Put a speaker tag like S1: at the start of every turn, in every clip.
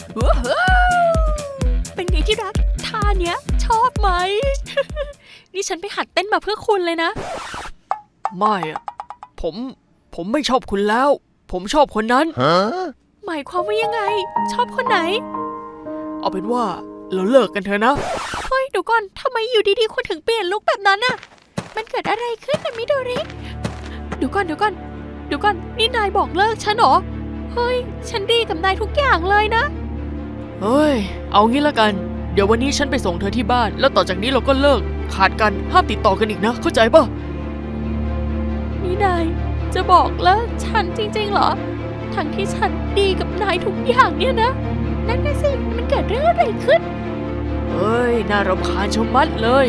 S1: ว้าวเป็นไงที่รักท่าเนี้ยชอบไหม นี่ฉันไปหัดเต้นมาเพื่อคุณเลยนะ
S2: ไม่อะผมไม่ชอบคุณแล้ว ผมชอบคนนั้น
S1: หมายความว่ายังไง ชอบคนไหน
S2: เอาเป็นว่าเราเลิกกันเถอะนะ
S1: เฮ้ยเดี๋ยวก่อนทำไมอยู่ดีๆคุณถึงเปลี่ยนลุคแบบนั้นน่ะมันเกิดอะไรขึ้นนะมิโดริเดี๋ยวก่อนนี่นายบอกเลิกฉันเหรอเฮ้ยฉันดีกับนายทุกอย่างเลยนะ
S2: เฮ้ย เอางี้ละกัน เดี๋ยววันนี้ฉันไปส่งเธอที่บ้าน แล้วต่อจากนี้เราก็เลิก ขาดกันห้ามติดต่อกันอีกนะ เข้าใจป่ะ
S1: นี่นายจะบอกเลิกฉันจริงๆเหรอทั้งที่ฉันดีกับนายทุกอย่างเนี่ยนะนั่นน่ะสิมันเกิดเรื่องอะไรขึ้น
S2: เฮ้ย น่ารำคาญชะมัดเลย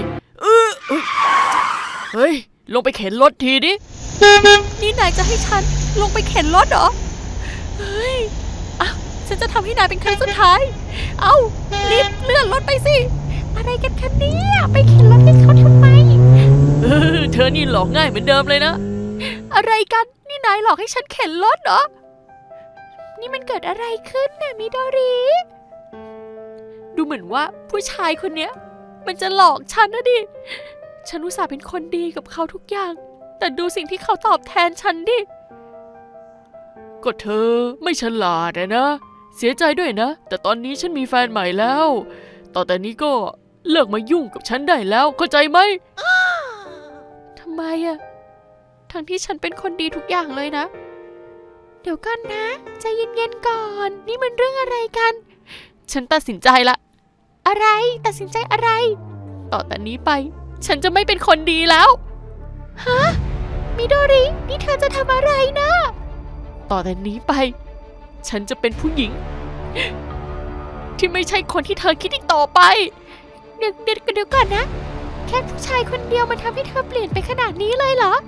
S2: เฮ้ย ลงไปเข็นรถทีดิ
S1: นี่นายจะให้ฉันลงไปเข็นรถเหรอเฮ้ยอ่ะฉันจะทำให้นายเป็นครั้งสุดท้ายเอารีบเลื่อนรถไปสิอะไรกันคะเนี่ยไปเข็นรถให้เขาทำไม
S2: เธอนี่หลอกง่ายเหมือนเดิมเลยนะ
S1: อะไรกันนี่นายหลอกให้ฉันเข็นรถเหรอนี่มันเกิดอะไรขึ้นน่ะมิโดริดูเหมือนว่าผู้ชายคนเนี้ยมันจะหลอกฉันนะดิฉันอุตส่าห์เป็นคนดีกับเขาทุกอย่างแต่ดูสิ่งที่เขาตอบแทนฉันดิ
S2: ก็เธอไม่ฉลาดนะ เสียใจด้วยนะ แต่ตอนนี้ฉันมีแฟนใหม่แล้ว ต่อแต่นี้ก็เลิกมายุ่งกับฉันได้แล้ว เข้าใจไหม
S1: ทำไมอะทั้งที่ฉันเป็นคนดีทุกอย่างเลยนะเดี๋ยวกันนะใจเย็นๆก่อนนี่มันเรื่องอะไรกันฉันตัดสินใจละอะไรตัดสินใจอะไรต่อแต่นี้ไปฉันจะไม่เป็นคนดีแล้วฮะมิโดรินี่เธอจะทำอะไรนะต่อแต่นี้ไปฉันจะเป็นผู้หญิง ที่ไม่ใช่คนที่เธอคิดอีกต่อไปเดี๋ยวก่อนนะแค่ผู้ชายคนเดียวมันทำให้เธอเปลี่ยนไปขนาดนี้เลยเหรอ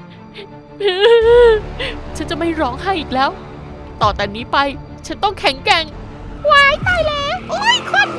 S1: ฉันจะไม่ร้องไห้อีกแล้ว ต่อแต่นี้ไปฉันต้องแข็งแกร่งว้ายตายแล้วโอ้ยคน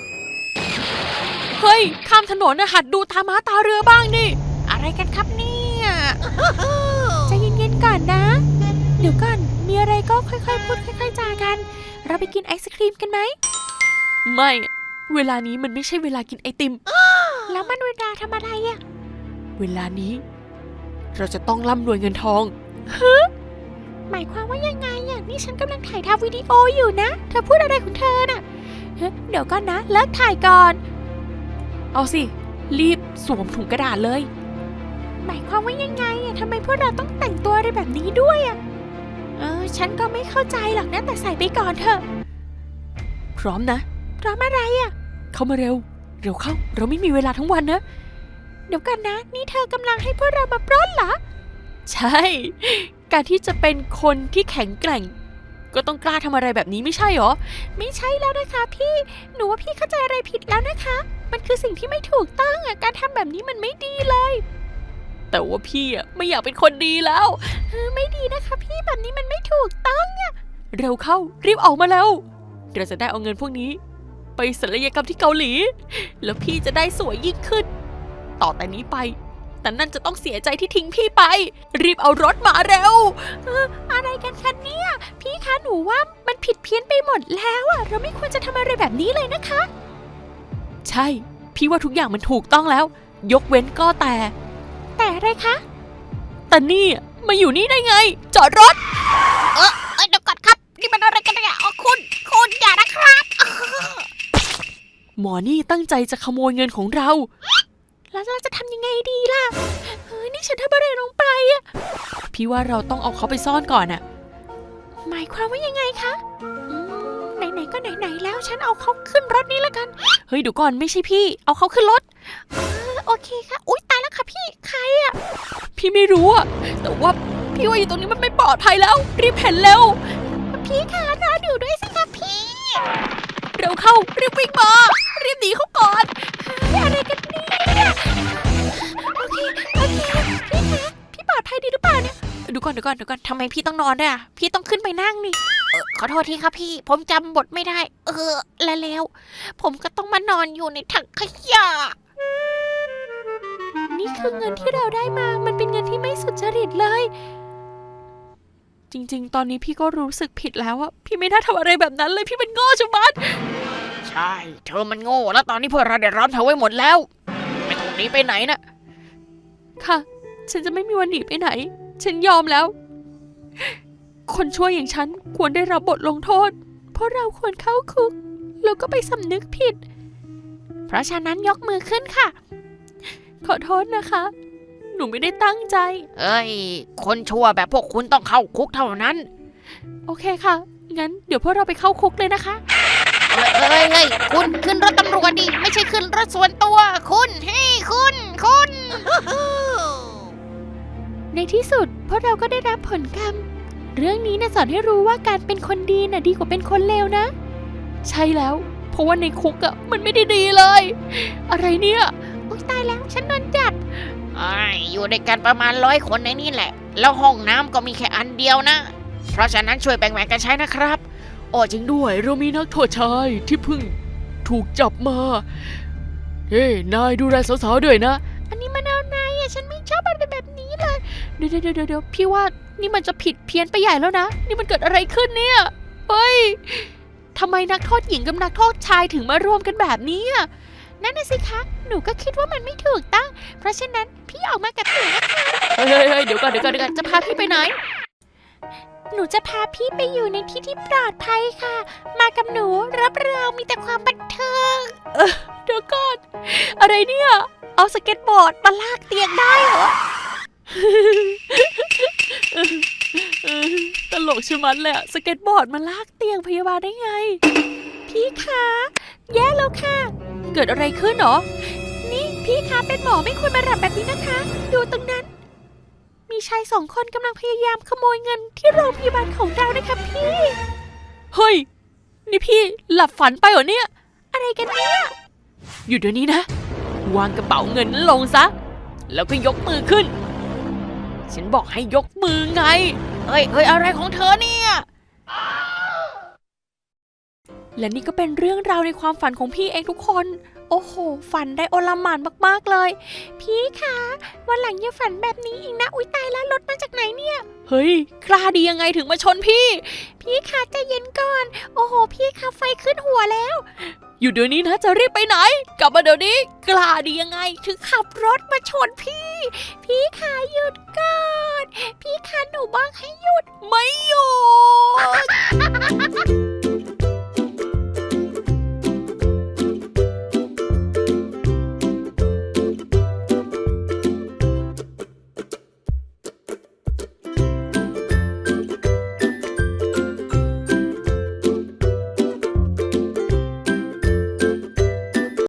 S1: เฮ้ยข้ามถนนนะหัดดูตาม้าตาเรือบ้างดิอะไรกันครับเนี่ยใจเย็นๆก่อนนะ เดี๋ยวก่อนมีอะไรก็ค่อยๆพูดค่อยๆจากันเราไปกินไอศครีมกันไหมไม่เวลานี้มันไม่ใช่เวลากินไอติม แล้วมันเวลาทำอะไรอะเวลานี้เราจะต้องร่ำรวยเงินทองหมายความว่ายังไงอะนี่ฉันกำลังถ่ายทำวิดีโออยู่นะเธอพูดอะไรของเธอน่ะเดี๋ยวก่อนนะเลิกถ่ายก่อนเอาสิรีบสวมถุงกระดาษเลยหมายความว่ายังไงอะทำไมพวกเราต้องแต่งตัวอะไรแบบนี้ด้วยอะฉันก็ไม่เข้าใจหรอกนะแต่ใส่ไปก่อนเถอะพร้อมนะพร้อมอะไรอะเข้ามาเร็วเข้าเราไม่มีเวลาทั้งวันนะเดี๋ยวกันนะนี่เธอกำลังให้พวกเรามาปล้นเหรอใช่การที่จะเป็นคนที่แข็งแกร่งก็ต้องกล้าทำอะไรแบบนี้ไม่ใช่หรอไม่ใช่แล้วนะคะพี่หนูว่าพี่เข้าใจอะไรผิดแล้วนะคะมันคือสิ่งที่ไม่ถูกต้องอ่ะการทำแบบนี้มันไม่ดีเลยแต่ว่าพี่อ่ะไม่อยากเป็นคนดีแล้วไม่ดีนะคะพี่แบบนี้มันไม่ถูกต้องอ่ะเร็วเข้ารีบออกมาแล้วเราจะได้เอาเงินพวกนี้ไปศัลยกรรมที่เกาหลีแล้วพี่จะได้สวยยิ่งขึ้นต่อแต่นี้ไปแต่นั่นจะต้องเสียใจที่ทิ้งพี่ไปรีบเอารถมาเร็วอะไรกันคะเนี่ยพี่คะหนูว่ามันผิดเพี้ยนไปหมดแล้วอะเราไม่ควรจะทำอะไรแบบนี้เลยนะคะใช่พี่ว่าทุกอย่างมันถูกต้องแล้วยกเว้นก็แต่อะไรคะแต่นี่มาอยู่นี่ได้ไงจอดรถเดี๋ยวก่อนครับนี่มันอะไรกันเนี่ยคุณอย่านะครับหมอนี่ตั้งใจจะขโมยเงินของเราแล้วเราจะทำยังไงดีล่ะนี่ฉันทำอะไรลงไปอะพี่ว่าเราต้องเอาเขาไปซ่อนก่อนอะหมายความว่ายังไงคะไหนๆก็ไหนๆแล้วฉันเอาเขาขึ้นรถนี้แล้วกันเฮ้ยเดี๋ยวก่อนไม่ใช่พี่เอาเขาขึ้นรถโอเคค่ะอุ๊ยตายแล้วค่ะพี่ใครอะพี่ไม่รู้อะแต่ว่าพี่ว่าอยู่ตรงนี้มันไม่ปลอดภัยแล้วรีบเห็นเร็วพี่คะรอดูด้วยสิคะพี่เร็วเข้ารีบวิ่งมารีบหนีเขาก่อนอะไรกันเนี่ยโอเคพี่คะพี่ปลอดภัยดีหรือเปล่าเนี่ยเดี๋ยวก่อนทำไมพี่ต้องนอนด้วยอะพี่ต้องขึ้นไปนั่งนี่ขอโทษทีครับพี่ผมจำบทไม่ได้แล้วผมก็ต้องมานอนอยู่ในถังขยะนี่คือเงินที่เราได้มามันเป็นเงินที่ไม่สุจริตเลยจริงๆ ตอนนี้พี่ก็รู้สึกผิดแล้วอะพี่ไม่น่าทำอะไรแบบนั้นเลยพี่เป็นโง่ชะมัด
S2: ใช่เธอมันโง่แล้วตอนนี้พวกเราเดือดร้อนเธอไว้หมดแล้ว ไม่ต้องหนีไปไหนนะ
S1: ค่ะ ฉันจะไม่มีวันหนีไปไหน ฉันยอมแล้ว คนชั่วอย่างฉันควรได้รับบทลงโทษ เพราะเราควรเข้าคุกแล้วก็ไปสำนึกผิด เพราะฉะนั้นยกมือขึ้นค่ะ ขอโทษนะคะ หนูไม่ได้ตั้งใจ
S2: เอ้ย คนชั่วแบบพวกคุณต้องเข้าคุกเท่านั้น
S1: โอเคค่ะ งั้นเดี๋ยวพวกเราไปเข้าคุกเลยนะคะ
S2: เอ้ยคุณขึ้นรถตำรวจดิไม่ใช่ขึ้นรถส่วนตัว คุณเฮ้ยคุณ
S1: ในที่สุดพวกเราก็ได้รับผลกรรม เรื่องนี้นะสอนให้รู้ว่าการเป็นคนดีน่ะดีกว่าเป็นคนเลวนะ ใช่แล้ว เพราะว่าในคุกอะมันไม่ได้ดีเลย อะไรเนี่ยโอ๊ยตายแล้วฉันโดนจับ
S2: อยู่ด้วยกันประมาณ100 คนในนี่แหละ แล้วห้องน้ำก็มีแค่อันเดียวนะ เพราะฉะนั้นช่วยแบ่งๆกันใช้นะครับอ๋อจริงด้วยเรามีนักโทษชายที่เพิ่งถูกจับมา เฮ้ยนายดูแลสาวๆด้วยนะ
S1: อันนี้มันเอาไหนอะฉันไม่ชอบอะไรแบบนี้เลย เดี๋ยวพี่ว่านี่มันจะผิดเพี้ยนไปใหญ่แล้วนะ นี่มันเกิดอะไรขึ้นเนี่ย เฮ้ยทำไมนักโทษหญิงกับนักโทษชายถึงมารวมกันแบบนี้อะนั่นน่ะสิคะ หนูก็คิดว่ามันไม่ถูกต้อง เพราะฉะนั้นพี่ออกมากับหนูนะคะ
S2: เฮ้ยเดี๋ยวก่อน
S1: จะพาพี่ไปไหน หนูจะพาพี่ไปอยู่ในที่ที่ปลอดภัยค่ะ มากับหนูรับรองมีแต่ความบันเทิงเดี๋ยวก่อน อะไรเนี่ย เอาสเก็ตบอร์ดมาลากเตียงได้เหรอ ตลกชะมัดเลยอะสเก็ตบอร์ดมาลากเตียงพยาบาลได้ไง พี่คะแย่แล้วค่ะ เกิดอะไรขึ้นหรอ นี่พี่คะเป็นหมอไม่ควรมาหลับแบบนี้นะคะ ดูตรงนั้น มีชาย2 คนกำลังพยายามขโมยเงินที่โรงพยาบาลของเรานะคะพี่ เฮ้ย นี่พี่หลับฝันไปเหรอเนี่ย อะไรกันเนี่ย อยู่เดี๋ยวนี้นะ วางกระเป๋าเงินนั้นลงซะ แล้วก็ยกมือขึ้น ฉันบอกให้ยกมือไง
S2: เฮ้ยอะไรของเธอเนี่ย
S1: และนี่ก็เป็นเรื่องราวในความฝันของพี่เองทุกคน โอ้โห ฝันได้โอลหม่านมากๆเลย พี่คะวันหลังอย่าฝันแบบนี้อีกนะ อุ๊ยตายแล้วรถมาจากไหนเนี่ย เฮ้ยกล้าดียังไงถึงมาชนพี่ พี่คะใจเย็นก่อน โอ้โห พี่คะไฟขึ้นหัวแล้ว อยู่เดี๋ยวนี้นะจะรีบไปไหน กลับมาเดี๋ยวนี้ กล้าดียังไงถึงขับรถมาชนพี่ พี่คะหยุดก่อน พี่คะหนูบอกให้หยุด ไม่หยุด